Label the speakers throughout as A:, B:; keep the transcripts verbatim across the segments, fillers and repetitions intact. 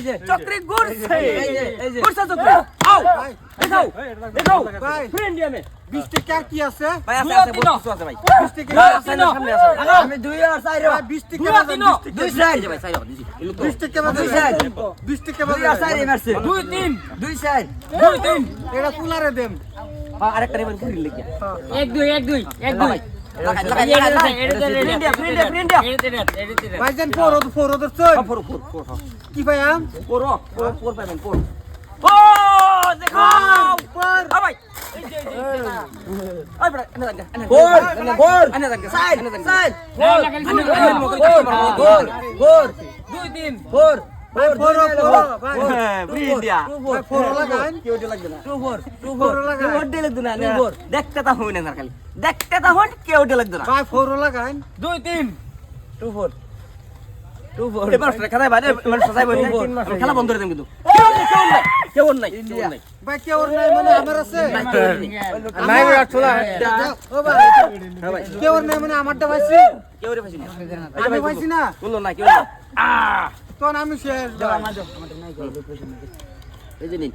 A: যে
B: চক্রি ঘুরছে
A: এই যে এই যে
B: ঘুরছে চক্রি আও দেখাও দেখাও ফ্রেন্ড আমি
C: বিশ টাকা কি আছে
B: ভাই আছে আছে বহুত কিছু আছে ভাই
C: বিশ টাকা
B: ভাই আছে না সামনে আছে
A: আমি দুই আর চার
C: ভাই বিশ টাকা
B: দুই
C: বাজান,
B: তিন
C: বিশ
A: দুই
C: টাকা
A: চার
B: এই যে ভাই সাইড দিছি
C: বিশ টাকা বাজান,
A: দুই চার
C: বিশ টাকা
A: দুই আর চার
C: বাজান।
A: মারছে
B: দুই তিন
A: দুই চার
B: দুই তিন
C: এটা কুলারে দেম
B: হ্যাঁ আরেকটা নেবেন ঘুরি লাগিয়া
D: এক দুই এক দুই এক দুই
B: লাগাই লাগাই লাগাই ফ্রেন্ড ইয়া ফ্রেন্ড ইয়া ফ্রেন্ড ইয়া
C: ভাইজান ফোর ওদের ফোর ওদের চল
B: ফোর ফোর ফোর
C: কি ভাইয়াম
B: ফোর ফোর ফোর পাবেন ফোর ও দেখো
C: ফোর
B: আ ভাই এই যে এই যে আই বড় এনে দাঙ্গা
A: গোল গোল
B: এনে দাঙ্গা
A: চার
B: এনে দাঙ্গা
A: চার
D: গোল
A: গোল গোল
B: দুই তিন
A: ফোর
C: ভাই ফোর ফোর ভাই
B: ফ্রেন্ড ইয়া
C: ভাই ফোর লাগান
B: কেউ লাগবে না
A: two four two
C: four
A: four
C: লাগান
B: কেউ ডে লাগবে না দেখতে তা হই না খালি দেখতে তা হন কেউ ডে লাগবে না
C: ভাই ফোর লাগান
B: দুই তিন
A: টু ফোর টু ফোর
B: এবার খেলা বাইরে মানে সজাই বই খেলা বন্ধ করে দেন কিন্তু কেউ নাই কেউ নাই কেউ নাই
C: ভাই কে ওর নাই মানে আমার আছে
B: নাই ভাই ছোলা
C: ও ভাই
B: হ্যাঁ ভাই
C: কে ওর নাই মানে আমারটা পাইছি
B: কেউ রে পাইছি না
C: আমি পাইছি না
B: বললো না কেউ না আ
C: তখন আমি শেষ ভাই।
B: এই যে নিন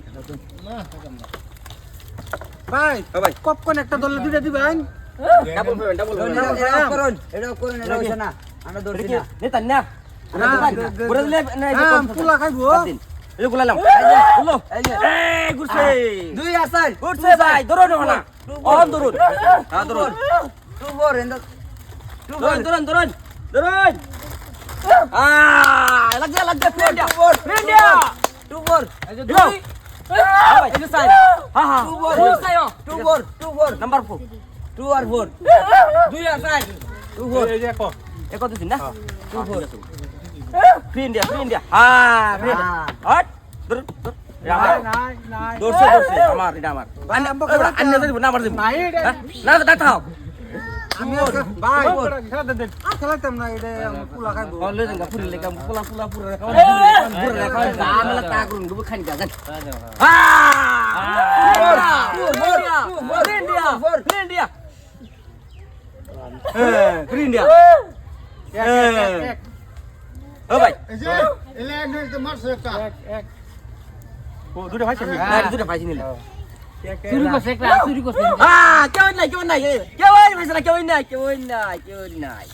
C: ভাই
B: ও ভাই
C: পপকর্ন একটা দলে দুইটা দিবেন
B: ডাবল পেমেন্ট ডাবল
A: এটা করুন এটা করুন এটা হইছে না আমরা ধরছি না
B: নেতা না
C: না,
B: পুরো দিলে না এই যে
C: হ্যাঁ,
B: কোন
C: পোলা খাইবো।
B: দিন এই যে গুলালাম বললো
A: এই যে
B: এই ঘুরছে
A: দুই আর চার
B: ঘুরছে ভাই ধরুন না অন ধরুন হ্যাঁ ধরুন
A: two four and two four
B: ধরুন ধরুন ধরুন ধরুন আ লাগছে লাগছে ফ্রেন্ড ফ্রেন্ড
A: টু ফোর
B: দিও ভাই এই যে সাইড হ্যাঁ হ্যাঁ
A: টু ফোর
B: দুই side
A: two four two four
B: number four
A: two আর ফোর
B: দুই আর সাইড
A: টু ফোর
B: এ কত দিন না টু ফোর ফ্রেন্ড ফ্রেন্ড হ্যাঁ ফ্রেন্ড হট ধর ধর আমার
C: নাই নাই
B: দর্শে দর্শে আমার এটা আমার আন্না দিব না আমার দিব
C: নাই এটা
B: না না থাও
C: আমি আর ভাই আর খেলাইতাম না এটা আমার পোলা খাইবো
B: বলে দেন পুরি লেকা পুলা পুলা পুরা রাখা পুরা রাখা আমলা তা করুন গো খানি গাজন ইন্ডিয়া ইন্ডিয়া হ্যাঁ ইন্ডিয়া ও ভাই ও দুটো ভাই হ্যাঁ দুটো ভাই নিলে
D: শুরু করছে একটা শুরু করছে
B: Ah, কেউ নাই কেউ নাই কেউ নাই কেউ নাই কেউ নাই কেউ নাই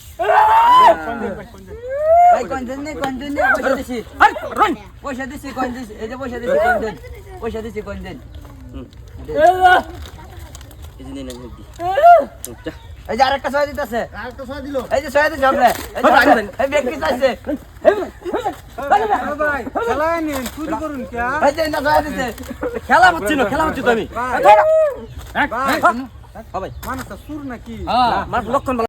A: ভাই কন্টেন্ট নেই কন্টেন্ট নেই পয়সা দিছি
B: আরে রন
A: পয়সা দিছি কন্টেন্ট এই যে পয়সা দিছি কন্টেন্ট পয়সা দিছি কন্টেন্ট
B: এই যে নেন দি
A: এই যে আরেকটা ছয় দিতেছে এই যে ছয় দিছে আমরা এই যে এই ব্যক্তি চাইছে
C: ভাই খেলাই নিন চুরি করুন কে
A: এই যে না ছয় দিছে
B: খেলা হচ্ছে না খেলা হচ্ছে তো আমি
C: ভাই
B: ভাই
C: মানুষটা সুর নাকি
B: মার লক্ষণ